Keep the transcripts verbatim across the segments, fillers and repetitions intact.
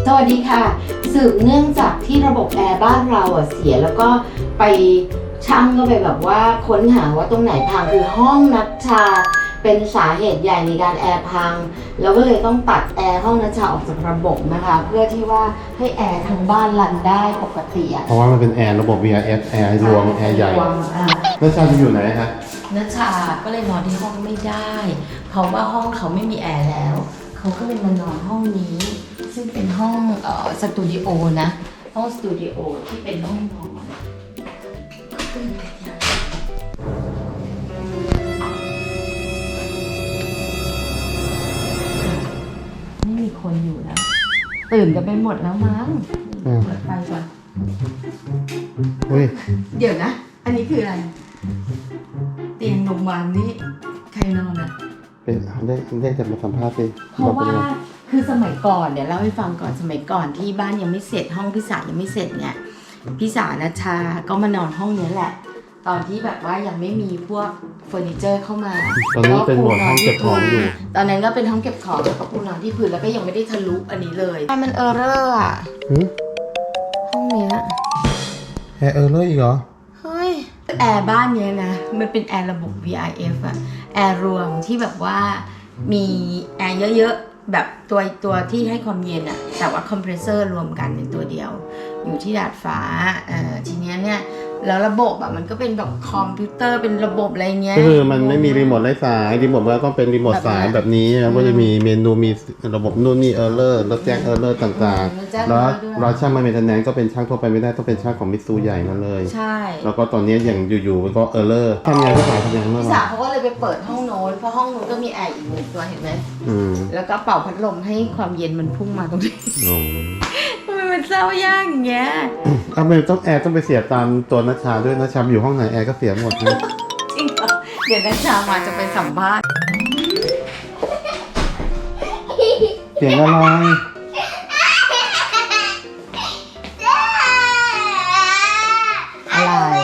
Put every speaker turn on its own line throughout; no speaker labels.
สวัสดีค่ะสืบเนื่องจากที่ระบบแอร์บ้านเราอ่ะเสียแล้วก็ไปช่างก็ไปแบบว่าค้นหาว่าตรงไหนพังคือห้องนัชชาเป็นสาเหตุใหญ่ในการแอร์พังแล้วก็เลยต้องตัดแอร์ห้องนัชชาออกจากระบบนะคะเพื่อที่ว่าให้แอร์ทั้งบ้านรันได้ปกติอ่ะ
เพราะว่ามันเป็นแอร์ระบบ วี อาร์ เอฟ แอร์รวมแอร์ใหญ่นัชชาจะอยู่ไหนคะ
นัชชาก็เลยนอนที่ห้องไม่ได้เพราะว่าห้องเขาไม่มีแอร์แล้วเขาก็เลยมานอนห้องนี้ซึ่งเป็นห้องเอ่อสตูดิโอนะห้องสตูดิโอที่เป็นห้องนอนไม่มีคนอยู่แล้วตื่นกันไปหมดแล้วมั้งเปิดไฟก่อนเดี๋ยวนะอันนี้คืออะไรเตียงโรงพยาบาลนี่ใครนอนอ่ะ
เป็นได้ได้จะมาสัมภาษณ์สิ
เพราะว่าคือสมัยก่อนเดี๋ยวเล่าให้ฟังก่อนสมัยก่อนที่บ้านยังไม่เสร็จห้องพี่สายังไม่เสร็จเนี่ยพี่สานัชชาก็มานอนห้องนี้แหละตอนที่แบบว่ายังไม่มีพวกเฟอร์นิเจอร์เข้ามา
ตอนนี้เป็นหมวดห้องเก็บของอยู่
ตอนนั้นก็เป็นห้องเก็บของแล้วก็ปูนอนที่พื้นแล้วก็ยังไม่ได้ทะลุอันนี้เลยมันเออร์เรอร์อ่ะห้องเนี้ย
แอร์เออร์เลอร์อีกเหรอ
เฮ้ยแอร์บ้านเนี้ยนะมันเป็นแอร์ระบบ วี อาร์ เอฟ อะแอร์รวมที่แบบว่ามีแอร์เยอะๆแบบตัวตัวที่ให้ความเย็นอะแต่ว่าคอมเพรสเซอร์รวมกันเป็นตัวเดียวอยู่ที่ดาดฟ้าเอ่อทีเนี้ยเนี่ยแล้วระบบอะมันก็เป็นแบบคอมพิวเตอร์เป็นระบบอะไรเงี้ย
คือมันไม่มีรีโมทไร้สายรีโมทมันต้องเป็นรีโมทสายแบบนี้นะก็จะมีเมนูมีระบบนู่นนี่เออร์เลอร์แล้วแจ้งเออร์เลอร์ต่างๆแล้วเราช่างมาเมนเทนแนนซ์ก็เป็นช่างทั่วไปไม่ได้ต้องเป็นช่างของมิตซูใหญ่มาเลย
ใช่
แล้วก็ตอนนี้อย่างอยู่ๆก็เออร์เลอร์ทำไงพี่สาวทำยังไงบ้าง
พี่สาวเขาก็เลยไปเปิดห้องโน้นเพราะห้องโน้นก็มีแอร์อีกหนึ่งตัวเห็นไหมแล้วก็เป่าพัดลมให้ความเย็นมันพุ่งมาตรงนี้ทำไมมันเศร้ายากอย่างเงี้ย
ทำไมต้องแอร์ต้องไปเสียตามตัวนัชชาด้วยนัชชาอยู่ห้องไหนแอร์ก็เสียหมดนะ
จริงเหรอเดี๋ยวนัชชามาจะไปสัมภาษณ์
เสียงอะไร
อะไร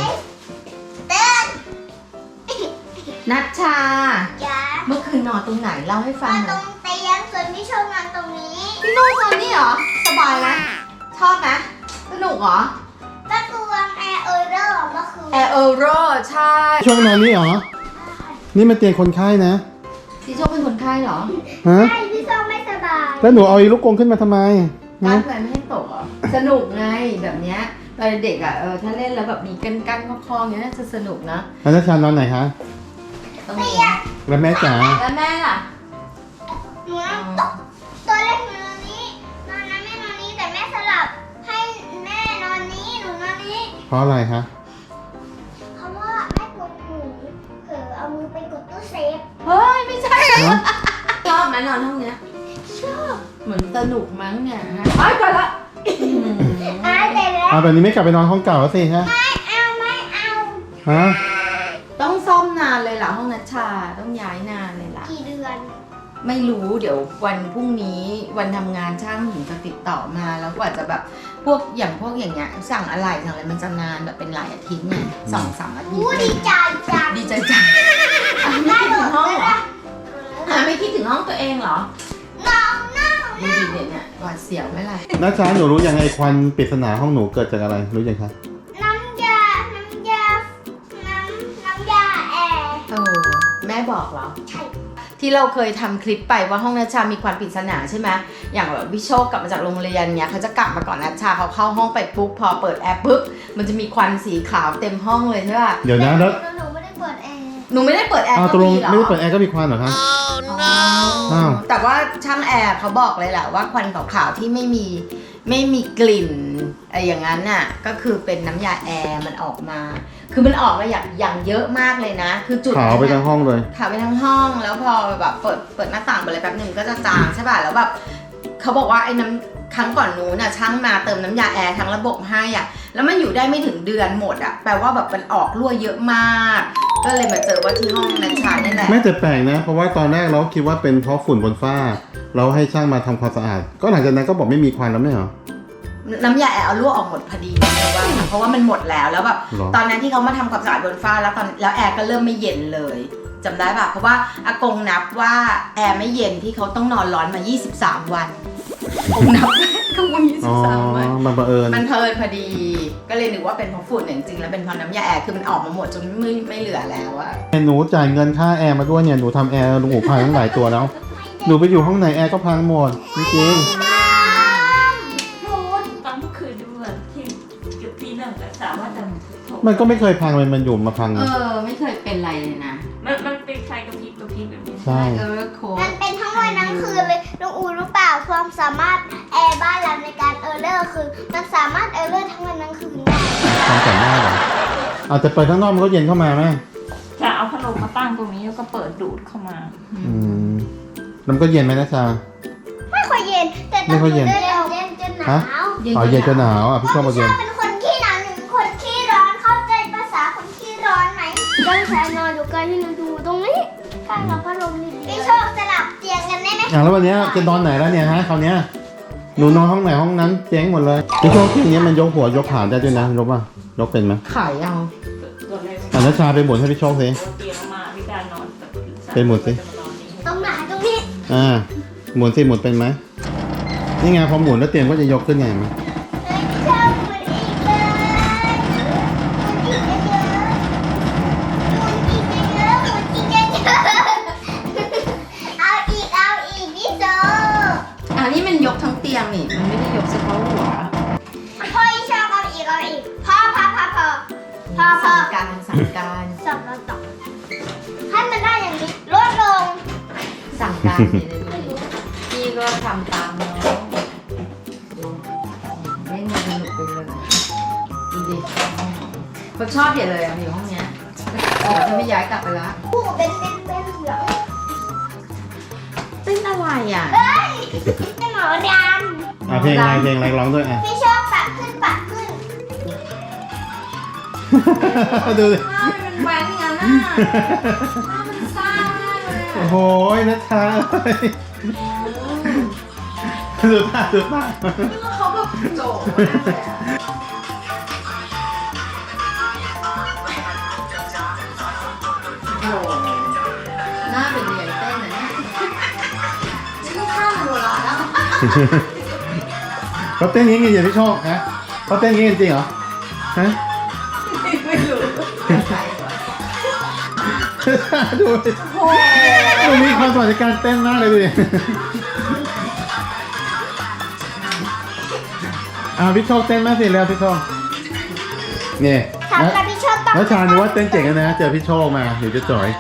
นัชชาเมื่อคืนนอนตรงไหนเล่าให้ฟังหน่อย
ตรงเตียงส่วนพี่ชอบนอนตรงนี้
พี่นอนตรงนี้เหรอสบายไหมชอบไหมสนุกเหรอ
ก็คือวางแอร์เออร์เรอร์เมื่อคืน
แอร์เออร์เรอร์ใช่
ช่วงนอนนี่เหรอนี่มันเตียงคนไข้นะ
พี่โชคเป็นคนไข้เหรอ
ฮะ
ใช่พี่ชอบไม่สบาย
แล้วหนูเอาอีลูกกรงขึ้นมาทำไม
การแพลนไม่ให้ตกเหรอสนุกไงแบบเนี้ยตอนเด็กอ่ะเออถ้าเล่นแล้วแบบมีกันกันคลองๆเนี้ยน่าจะสนุกนะ
แล้วนัชชานอนไหนคะ
ตรงนี้
แล้วแม่จ๋า
แล้วแม่ล่ะ
หนูตัวเล็กหนูนอนนี้นอนนั้นแม่นอนนี้แต่แม่สลับให้แม่นอนนี้หนูนอนนี้
เพราะอะไรคะ
เพราะว่าแม่ปวดหูเผลอเอามือไปกดตู้เซฟ
เฮ้ยไม่ใช่ชอบไหมนอนห้องเนี้ย
ชอบ
เหมือนสนุกมั้งเนี่ยฮะไปก่อนละ
อ้าวแต่แล้ว
แบบนี้ไม่กลับไปนอนห้องเก่าแล้วสิฮะ
ไม่เอาไม่เอา
ฮะ
ต้องซ่อมนานเลยล่ะห้องนัชชาต้องย้ายนานเลยล่ะ
กี่เดือน
ไม่รู้เดี๋ยววันพรุ่งนี้วันทำงานช่างถึงจะติดต่อมาแล้วกว่าจะแบบพวกอย่างพวกอย่างเงี้ยสั่งอะไรสั่งอะไรมันจะนานแบบเป็นหลายอาทิตย์เนี่ยสองสามอาทิตย์
ดีใจจัง
ดีใจจังไม่คิดถึงห้องเหรอไม่คิดถึงห้องตัวเองเหรอ
น้องน้อง
ดีดีเด่นเนี่ยหวาดเสียวไม่ไร
นัชชาหนูรู้ยังไงควันปริศนาห้องหนูเกิดจากอะไรรู้ยังคะ
น้ำยาน้ำยาน้ำน้ำยาแอร์
เออแม่บอกเหรอ
ใช่
ที่เราเคยทำคลิปไปว่าห้องนัชชามีควันปริศนาใช่ไหมอย่างแบบวิโชคกลับมาจากโรงเรียนเนี้ยเขาจะกลับมาก่อนนัชชาเขาเข้าห้องไปปุ๊บพอเปิดแอร์ปุ๊บมันจะมีควันสีขาวเต็มห้องเลยใช่ป่ะ
เดี๋ยวนะแล้ว
หนูไม่ได้เปิดแอร์
หนูไม่ได้เปิดแอร์
ก็มีเหรอไม่ได้เปิดแอร์ก็มีควันเหรอคะ
อ๋อแต่ว่าช่างแอร์เขาบอกเลยแหละว่าควันขาวๆที่ไม่มีไม่มีกลิ่นอะไรอย่างนั้นน่ะก็คือเป็นน้ำยาแอร์มันออกมาคือมันออกมาอย่างอย่างเยอะมากเลยนะคือจุด
ขาวไปทั้งห้องเลย
ขาวไปทั้งห้องแล้วพอแบบเปิดเปิดหน้าต่างไปเลยแป๊บหนึ่งก็จะจางใช่ป่ะแล้วแบบเขาบอกว่าไอ้น้ำครั้งก่อนนู้นน่ะช่างมาเติมน้ำยาแอร์ทั้งระบบให้อ่ะแล้วมันอยู่ได้ไม่ถึงเดือนหมดอ่ะแปลว่าแบบมันออกรั่วเยอะมากก็เลยมาเจอว่าที่ห้องนัชชานี่แหละ
ไม่แต่แปลกนะเพราะว่าตอนแรกเราคิดว่าเป็นเพราะฝุ่นบนฝ้าเราให้ช่างมาทำความสะอาดก็หลังจากนั้นก็บอกไม่มีควันแล้วไม่เหรอ
น้ำยาแอร์เอาลวกออกหมดพอดีเลยว่าเพราะว่ามันหมดแล้วแล้วแบบตอนนั้นที่เขามาทำความสะอาดบนฝ้าแล้วตอนแล้วแอร์ก็เริ่มไม่เย็นเลยจำได้ป่ะเพราะว่าอากงนับว่าแอร์ไม่เย็นที่เขาต้องนอนร้อนมายี่สิบสามวันผมนับข้างบนยี่สิ
อ๋อบ
สามวัน
มันบังเอิญ
มันเพลินพอดี ก็เลยนึกว่าเป็นเพราะฝุ่นแต่จริงๆแล้วเป็นเพราะน้ำยาแอร์คือมันออกมาหมดจนไม่ไม่เหลือแล้วอะ
หนูจ่ายเงินค่าแอร์มาด้วยเนี่ยหนูทำแอร์ลุงอูพังตั้งหลายตัวแล้วหนูไปอยู่ห้องไหนแอร์ก็พังหมดจริง
ตอนเมื่อคืนดูแบบที่เกือบตีหนึ่งแต่สามารถจะ
ๆมันก็ไม่เคยพังเลยมันอยู่มาพัง
เอ
นะ
อไม่เคยเป็นไรเลยนะ
มันมันเป็นไฟกระพริบกระพริบแบบนี้
ใช่
เออโค้
มันเป็นทั้งวันทั้งคืนเลยลุงอูรู้เปล่าความสามารถแอร์บ้านเราในการเออร์เลอร์คือ มันสามารถเออร์เลอร์ทั้งวันทั้งคืนได้
ทำแต่หน้าเหรออาจจะเปิดข้างนอกมันก็เย็นเข้ามาไหม
จะเอาพัดลมมาตั้งตรงนี้แล้วก็เปิดดูดเข้ามา
อืมแล้วมันก็เย็นไหมนะชา
ไม่ค่อยเย็น แต่ตอน
ไม่ค่อยเย็น
เย็นเย็นจนหนาว
อ๋อเย็นจะหนาวอ่ะพี่ชอบมา
ช
เย็
อน บเป็นคนขี้หนาวหนึ่งคนขี้ร้อนเข้าใจภาษาคนขี้ร้อนไหมตั้งแต่นอนอยู่ใกล้ที่เราดูตรงนี้ใกล้กับพัดลมนี่พี่โชคสลับเตียงกันได้ไหม
อย่างแล้ววันเนี้ยจะนอนไหนแล้วเนี่ยฮะคราวเนี้ยหนูนอนห้องไหนห้องนั้นเจ๊งหมดเลยพี่โชคที่อย่างเงี้ยมันยกหัวยกขาได้ด้วยนะยกป่ะยกเป็นไหม
ขายเอา
ตัวเลย
อ่ะนัชชาไปหมุนให้พี่โชคสิ
เตียงมาพี่การนอนแบบ
ไปหมดสิ
ตรงไหนตรงนี้
อ่าหมุนสิหมุนเป็นไหมนี่ไงพอหมุนแล้วเตียงก็จะยกขึ้นไงมั้ย
เฮ้ยชอบหมุนอีกเลยหมุนอีกเยอะๆหมุนอีกเยอะๆหมุนอีกเยอะๆเอาอีกเอาอีกพี่โซ
อ่านี่มันยกทั้งเตียงนี่มันไม่ได้ยกเฉพาะหัว
พ่ออีชอบเอาอีกเอาอีกพ่อพ่อพ่อพ่อพ่อพ่อ
สั่งการสั่งการ
จับแล้วจับให้มันได้อย่างนี้ลดลง
สั่งการเลยดูดิพี่ก็ทำตามน้องเล่นสนุกไปเลยดูดิเขาชอบเห็นเลยอ่ะอยู่ห้องเนี้ยเออจะไม่ย้ายกลับไปละ
ผู้เป็นเป็นเป็นเหลือง
เต้นอะไรอ่ะ
เอ้ยเป็นหมอด
อ่ะเพลงอะไรเพลงอะไรร้องด้วยอ่ะ
ำพี่ชอบปักขึ้นปักขึ้น
ดูดิ
ว้าวมันแหวนอย่างนั้นน่ะว้าวมันซ่ามากเลย
โอ้
อ่ะ
โหนัชชาเอ้ยดูท่าดูท่า
เขาแบบโจ๋มากเลยอ่ะโอ้โหหน้าเป็นเรียนเต้นนะเนี่ยชื่อท่ามันโบราณแล้ว
เขาเต้นอย่างงี้อย่างพี่โชคฮะเขาเต้นอย่างงี้จริงเหรอฮะ
ไม่รู้ใครวะ
ดูดิ
โอ้โห
ดูมีความสามารถในการเต้นมากเลยดูดิอ่าพี่โชคเต้นมากสิแล้วพี่โชคนี่
ถาม
แล้ว
กับพี่ชอบต้อง
แล้วชาญว่าเต้นเจ๋งนะเจอพี่โชคมาเดี๋ยวจะจ่อย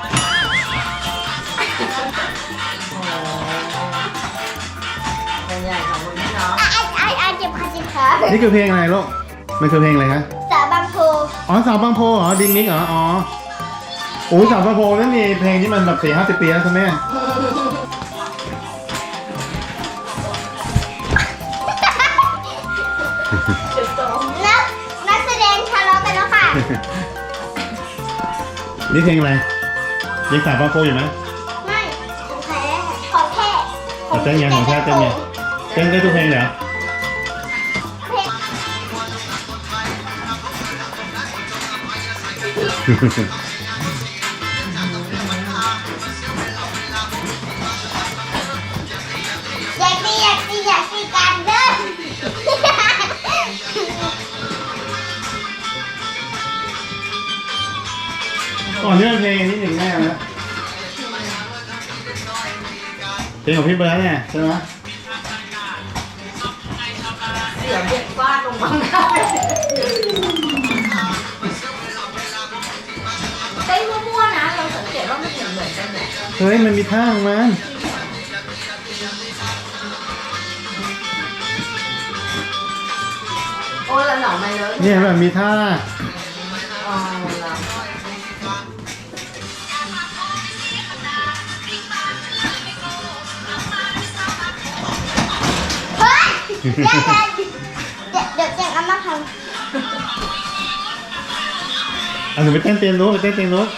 เป็นใหญ่ของคุณพี่น้อง
ไอ้ไอ้ไอ้เจ็บขาเจ็บขา
นี่คือเพลงอะไรลูกมันคือเพลงอะไรคะ
สาวบางโพ
อ๋อสาวบางโพเหรอดิงนิกเหรออ๋อโอ้สาวบางโพนั่นมีเพลงที่มันแบบสี่ห้าสิบปีแล้วใช่ไหม
นักนักแสดงทะเลาะกันแล้วค่ะ
นี่เพลงอะไรยังสาวบางโพอยู่ไหม
ไม่ของแท้ของแท้
อ่ะเต้นไงของแท้เต้นไงเต้นได้ทุกเพลงเลยเหรอ
เพลงอยากตีอยากตีอยากตีกันเด้อ
ก่อนนี่เป็นเพลงนี้หนึ่งแน่แล้วเพลงของพี่เบิร์ดเนี่ยใช่ไหม
เสียงเด็กฟาดลงมาหน้าเต้นมั่วๆนะ เราสังเกตว่ามันเหมือนเหมือนกันแหละ
เฮ้ยมันมีท่าของมัน
โอ้ละหนองมาเลย
เนี่ยแบบมีท่า
อ๋อละ
เฮ้ยเดี๋ยวเดี๋ยวเดี๋ยวเดี๋ยวเดี๋ยวเอามาทำ
อ่ะหนูไปเต้นเตียงนู้นไปเต้นเตียงนู้น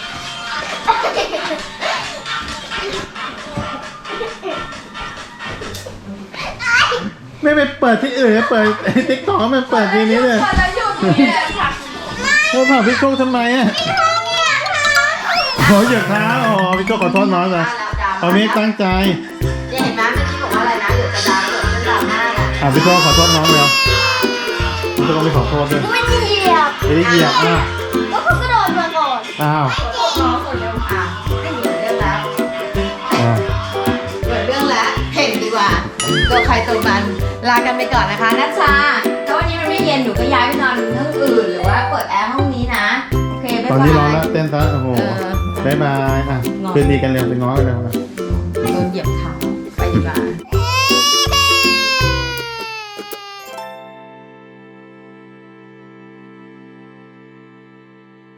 ไม่ไปเปิดที่อื่นนะเปิดติ๊กต็อกมันเปิดทีนี้เลย
พอแล้วหยุดนี่แหละค่ะ
โทรผ่าพี่โชคทำไมอ่ะโอ้ยอย่าท้าอ๋อพี่โชคขอโทษน้องเลย
แล้วดรา
เขาไม่ตั้งใจ
เนี่ยเห็นไหมเมื่อกี้บอกว่าอะไรนะหยุดกระดาษหยุดกระดาษหน้า
อ่ะพี่โต้ขอโทษน้องเลยพี่โต้ไม่ขอโทษด้วย
ไม่เหยียบ
ไม่ได้เหยียบอ่ะ
ก็เขากระโดดมาก่อน
อ้าว
ขอโทษน้องคนเดียวอ่ะไม่เหลือเรื่องแล้ว
อ่า
เปิดเรื่องแล้วเห็นดีกว่าตัวใครตัวมันลากันไปก่อนนะคะนัชชาถ้าวันนี้มันไม่เย็นหนูก็ย้ายไปนอนห้องอื่นหรือว่าเปิดแอร์ห้องนี้นะโอเคบ๊าย
ตอน
บาย
นี้ร้อนแล้วเต้นซะโอ้โห
เออ
บ๊ายบายอ่ะคืนดีกันเร็วไปง้อกันเร็วนะ
โดนเหยียบเท้า